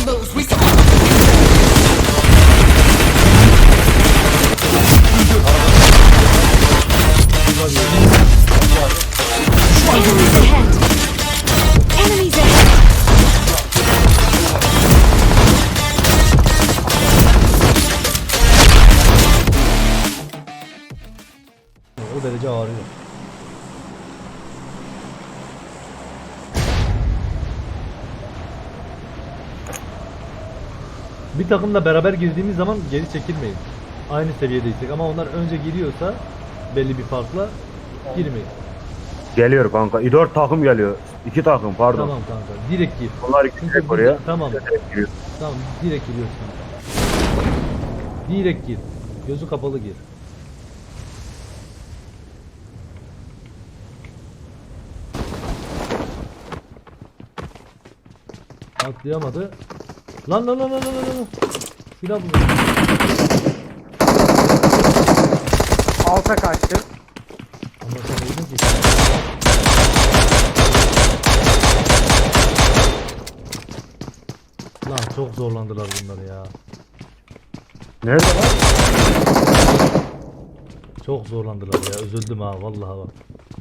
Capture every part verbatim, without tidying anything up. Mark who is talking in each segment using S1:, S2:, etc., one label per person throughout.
S1: lose. We survive.
S2: Enemies ahead! Enemies ahead!
S3: O derece ağrıyor. Bir takımla beraber girdiğimiz zaman geri çekilmeyin. Aynı seviyedeysek ama onlar önce giriyorsa belli bir farkla girmeyin.
S4: Geliyor kanka. dört takım geliyor. iki takım pardon.
S3: Tamam kanka. Direkt gir.
S4: Onlar
S3: Çünkü
S4: gidecek
S3: burada-
S4: oraya.
S3: Tamam.
S4: Direkt giriyor.
S3: Tamam. Direkt giriyorsun. Direkt gir. Gözü kapalı gir. Atlayamadı. Lan lan lan lan lan lan. Silah buldu.
S5: Alta kaçtı.
S3: Ama sen öldün ki. Lan çok zorlandılar bunlar ya.
S4: Nerede lan?
S3: Çok zorlandılar ya. Üzüldüm ha vallahi bak.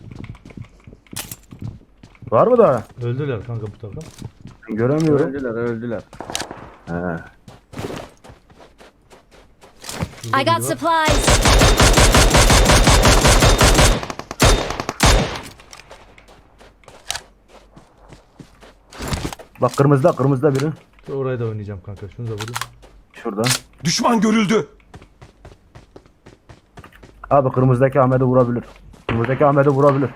S4: Var mı daha?
S3: Öldüler kanka bu takım.
S4: Ben göremiyorum.
S5: Öldüler öldüler.
S4: He.
S3: Şurada
S2: I got
S3: biri var.
S2: supplies!
S4: Bak kırmızıda kırmızıda biri.
S3: Oraya da oynayacağım kanka. Şunu da vurayım.
S4: Şurada.
S1: Düşman görüldü.
S4: Abi kırmızıdaki Ahmet'i vurabilir. Kırmızıdaki Ahmet'i vurabilir.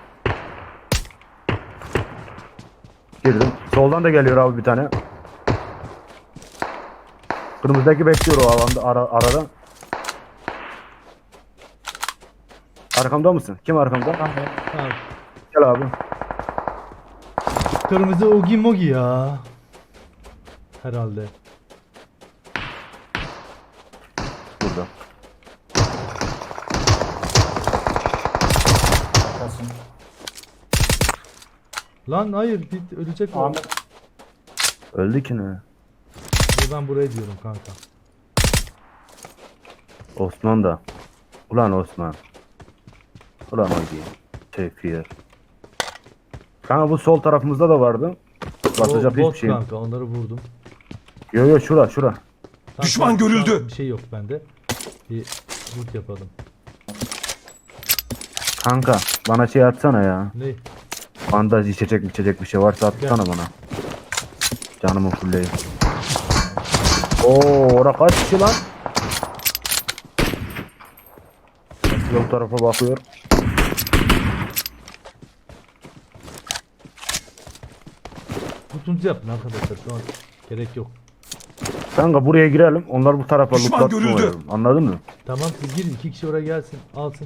S4: Girdim. Soldan da geliyor abi bir tane. Kırmızıdaki bekliyor o alanda ara, arada. Arkamda mısın? Kim arkamda?
S3: Ha,
S4: Gel abi.
S3: kırmızı Ogi Mogi ya. Herhalde.
S4: Burada.
S3: Lan hayır bit ölecek o.
S6: Ahmet.
S4: Öldü ki ne?
S3: Ben buraya diyorum kanka.
S4: Osman da. Ulan Osman. Ulan Ogi. Şefir. Kanka bu sol tarafımızda da vardı. Basacak
S3: O
S4: hiçbir
S3: bot
S4: şey yok.
S3: kanka onları vurdum.
S4: Yo yo şura şura.
S3: Tamam,
S1: Düşman
S3: tamam,
S1: görüldü.
S3: tamam, bir şey yok bende. Bir loot yapalım.
S4: Kanka bana şey atsana ya.
S3: Ne?
S4: Bandaj içecek içecek bir şey varsa atsana bana. Canımı fulleyim. Oo ora kaç kişi lan? Bu tarafa bakıyor.
S3: Tutuncu yapın arkadaşlar şu an gerek yok.
S4: Kanka buraya girelim. Onlar bu tarafa
S1: Düşman
S4: lootlatma
S1: görüldü.
S4: oynayalım. Anladın mı?
S3: Tamam siz girin iki kişi oraya gelsin alsın.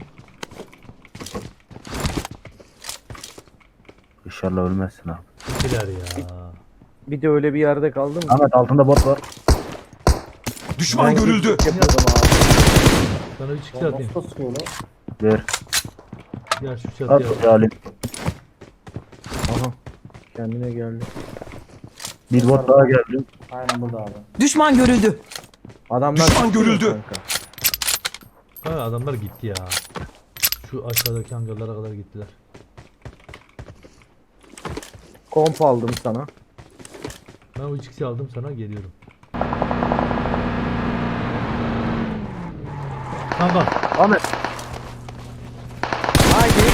S4: İnşallah ölmezsin abi.
S3: İkiler ya.
S5: Bir de öyle bir yerde kaldım.
S4: Ahmet altında bot var.
S1: Düşman görüldü.
S5: Yapıyordum abi.
S3: Sana üç kişi atayım.
S6: Nasıl sıkıyor lan?
S4: Ver.
S3: Gel şu
S4: At
S3: çatıya.
S4: ya alayım.
S5: Aha. Kendine geldi.
S4: Bir bot daha geldi.
S6: Aynen burada abi.
S7: Düşman görüldü.
S5: Adamlar
S1: Düşman
S5: çıkıyor
S1: görüldü.
S5: kanka.
S3: Ha, adamlar gitti ya. Şu aşağıdaki hangarlara kadar gittiler.
S5: Komp aldım sana.
S3: Ben o üç kişi aldım sana geliyorum. Kanka
S4: Ahmet.
S5: Haydi.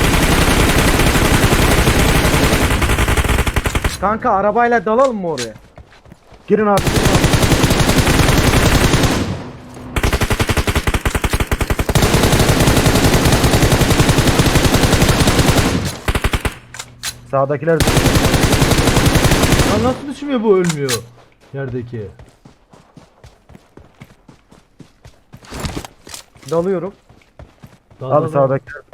S5: Kanka arabayla dalalım mı oraya?
S4: Girin abi. Sağdakiler
S3: lan nasıl düşmüyor bu ölmüyor yerdeki.
S5: Dalıyorum.
S3: Dal,
S4: abi
S3: dal, dal.
S4: sağdakiler.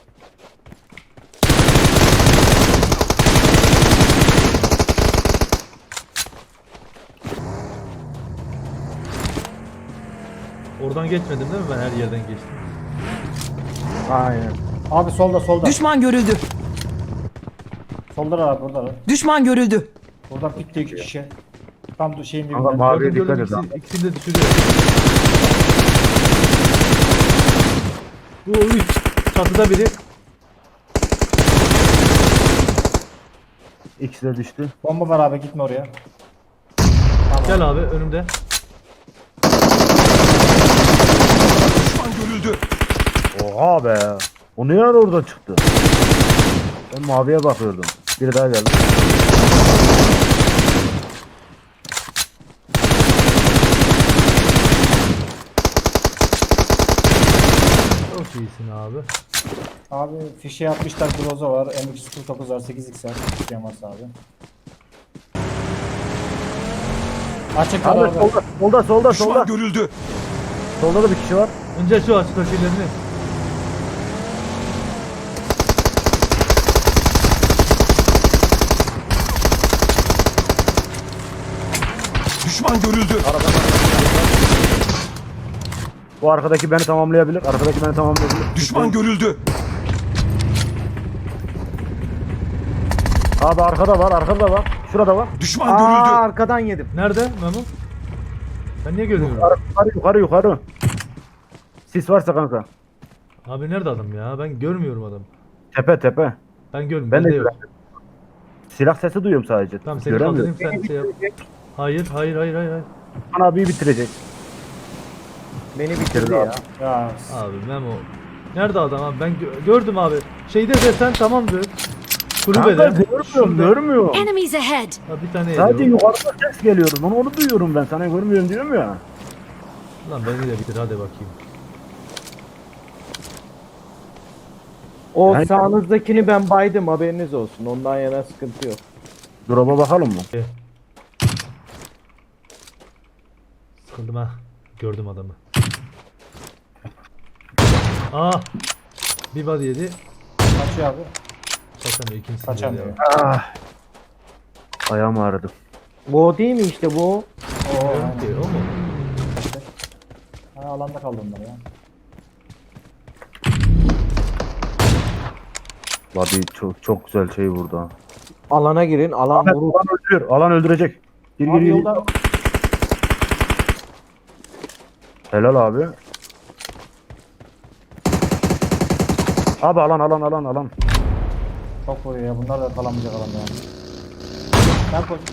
S3: Oradan geçmedim değil mi ben her yerden geçtim.
S5: Aynen.
S6: Abi solda solda.
S7: Düşman görüldü.
S6: Solda abi burada.
S7: Düşman görüldü.
S6: Oradan bitti iki kişi. Tam du- şeyin
S4: Kanka
S6: dibinden.
S4: maviye
S3: Gördüm
S4: dikkat
S3: gördüm
S4: et
S3: ikisi,
S4: lan.
S3: ikisini de düşürüyor. Bu üç çatıda biri.
S4: İkisi de düştü.
S6: Bomba var abi, gitme oraya.
S3: Gel abi önümde.
S1: Düşman görüldü.
S4: Oha be. O ne ara oradan çıktı? Ben maviye bakıyordum. Biri daha geldi.
S3: Çok iyisin abi.
S6: Abi fişe yapmışlar, Groza var, M iki yüz kırk dokuz var, sekiz x var. Fişe varsa abi. Açık var
S4: Abi
S6: abi.
S4: solda, solda, solda,
S1: Düşman
S4: solda.
S1: görüldü.
S4: Solda da bir kişi var.
S3: Önce şu açıktakilerini.
S1: Düşman görüldü.
S4: Bu arkadaki beni tamamlayabilir. Arkadaki beni tamamlayabilir.
S1: Düşman görüldü.
S4: Abi arkada var, arkada da var. Şurada var.
S1: Düşman
S5: Aa
S1: görüldü.
S5: arkadan yedim.
S3: Nerede Memo? Ben niye görmüyorum?
S4: Yukarı, yukarı, yukarı, yukarı. Sis varsa kanka.
S3: Abi nerede adam ya? Ben görmüyorum adamı.
S4: Tepe, tepe.
S3: Ben görmüyorum.
S4: Ben de
S3: Bende yok.
S4: göremiyorum. Silah sesi duyuyorum sadece.
S3: Tamam seni
S4: Göremiyorum.
S3: kaldırayım sen şey yap. Hayır hayır hayır hayır. hayır.
S4: Bana abiyi bitirecek.
S5: Beni bitirdi
S4: Bitirdi
S5: ya.
S4: abi.
S6: Ya
S3: Abi Memo. Nerede adam abi? Ben gö- gördüm abi. Şeyde desen tamamdır. Kulübede.
S4: Kanka görmüyorum,
S3: Şurada.
S4: görmüyorum.
S2: Enemies ahead!
S3: Ha, bir tane
S4: Sadece
S3: yedi
S4: yukarıda ses geliyor. Onu, onu duyuyorum ben. Sana görmüyorum diyorum ya.
S3: o. Lan beni de bitir hadi bakayım.
S5: O
S4: Yani-
S5: sağınızdakini ben baydım, haberiniz olsun. Ondan yana sıkıntı yok.
S4: Drop'a bakalım mı?
S3: Sıkıldım ha. Gördüm adamı. Aa. Bir body yedi.
S6: kaçıyor abi.
S3: Kaçamıyor ikincisini
S6: Kaçamıyor.
S3: yedi
S4: Ah. Ayağım ağrıdı.
S5: Bu o değil mi işte bu?
S6: Oo,
S3: abi.
S6: aynen.
S3: Ki, o mu?
S6: Ha, alanda kaldı onlar ya.
S4: Body çok çok güzel şey vurdu ha.
S5: Alana girin, alan
S4: Ahmet,
S5: vurur.
S4: alan öldürüyor. Alan öldürecek. Gir gir
S6: Abi
S4: gir.
S6: yolda
S4: Helal abi. Abi alan alan alan alan.
S6: çok vuruyor ya. Bunlar da kalamayacak alanda yani. Ben koş.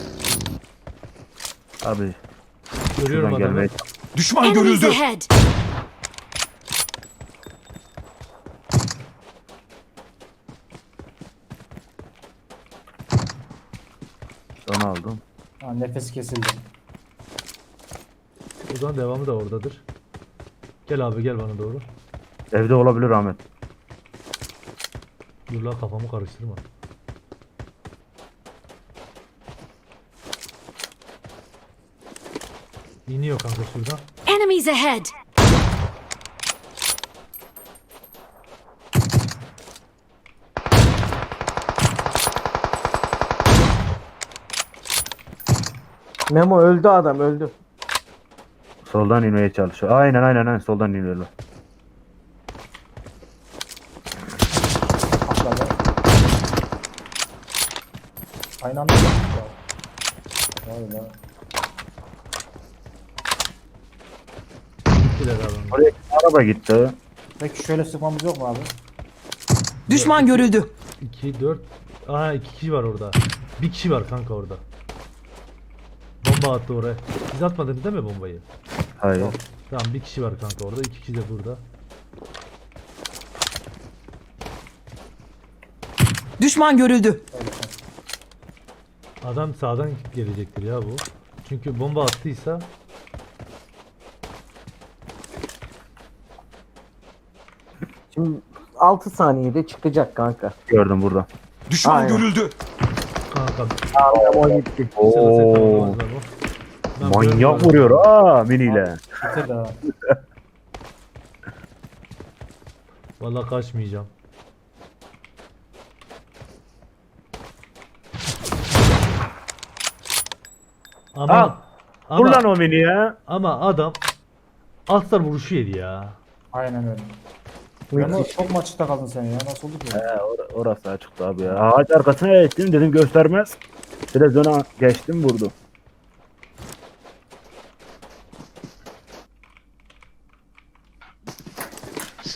S4: Abi
S3: Görüyorum
S4: şuradan
S3: adamı.
S4: gelmeye.
S1: Düşman
S2: Enemies
S1: görüldü.
S2: ahead!
S4: Onu aldım.
S6: Ha, nefes kesildi.
S3: O zaman devamı da oradadır. Gel abi gel bana doğru.
S4: Evde olabilir Ahmet.
S3: Dur la kafamı karıştırma. İniyor kanka şuradan.
S2: Enemies ahead!
S5: Memo öldü, adam öldü.
S4: Soldan inmeye çalışıyor. Aynen aynen aynen soldan iniyorlar.
S6: Atladı. Aynı anda yaptık ya. Vay be.
S3: Gittiler abi.
S4: Oraya araba gitti.
S6: Peki şöyle sıkmamız yok mu abi?
S7: Düşman görüldü.
S3: iki, dört. Aha iki kişi var orada. Bir kişi var kanka orada. Bomba attı oraya. Siz atmadınız değil mi bombayı?
S4: Hayır.
S3: Tamam bir kişi var kanka orada. İki kişi de burada.
S7: Düşman görüldü.
S3: Adam sağdan gelecektir ya bu. Çünkü bomba attıysa
S5: Şimdi altı saniyede çıkacak kanka.
S4: Gördüm burada.
S1: Düşman
S5: Aynen.
S1: görüldü.
S3: kanka
S5: Memo gitti.
S3: bir sıra set
S4: Oo.
S3: tamamlamaz bu. Ben
S4: Manyak
S3: görmüyorum.
S4: vuruyor ha miniyle.
S6: Bitir de.
S3: Vallahi kaçmayacağım. Ama
S4: Al. Vur
S3: ama,
S4: lan o mini ya.
S3: ama adam altlar vuruşu yedi ya.
S6: Aynen öyle. Ama çok mu açıkta kaldın sen ya? Nasıl oldu ki?
S4: He, or- orası açıktı abi ya. Ağaç arkasına geçtim dedim göstermez. Televizyona geçtim vurdu.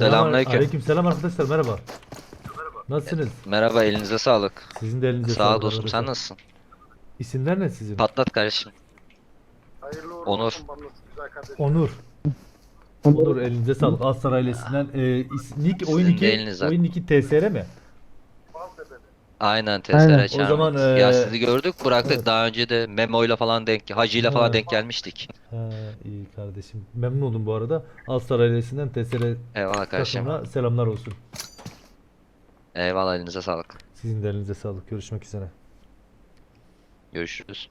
S8: Selamünaleyküm.
S3: Aleykümselam arkadaşlar, merhaba. Nasılsınız?
S8: Merhaba, elinize sağlık.
S3: Sizin de elinize
S8: Sağ ol
S3: sağlık
S8: dostum,
S3: arkadaşlar.
S8: sen nasılsın?
S3: İsimler ne sizin?
S8: Patlat kardeşim. Onur.
S3: Onur. Onur, elinize sağlık. Aslan ailesinden. E, is- nick, oyun
S8: Sizin de
S3: iki,
S8: elinize.
S3: oyun iki T S R mi?
S8: Aynen, testere
S3: O
S8: çağırdık.
S3: zaman,
S8: Ya
S3: eee,
S8: sizi gördük, bıraktık.
S3: evet.
S8: Daha önce de Memo ile falan denk, Hacı ile
S3: Ha.
S8: falan denk gelmiştik.
S3: Ha, iyi kardeşim. Memnun oldum bu arada. Aslan ailesinden T S R
S8: Eyvallah kardeşim.
S3: takımına selamlar olsun.
S8: Eyvallah, elinize sağlık.
S3: Sizin de elinize sağlık. Görüşmek üzere.
S8: Görüşürüz.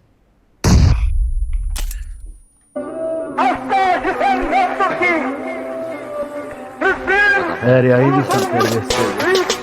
S4: Eğer yayıncıysan terbiyesiz.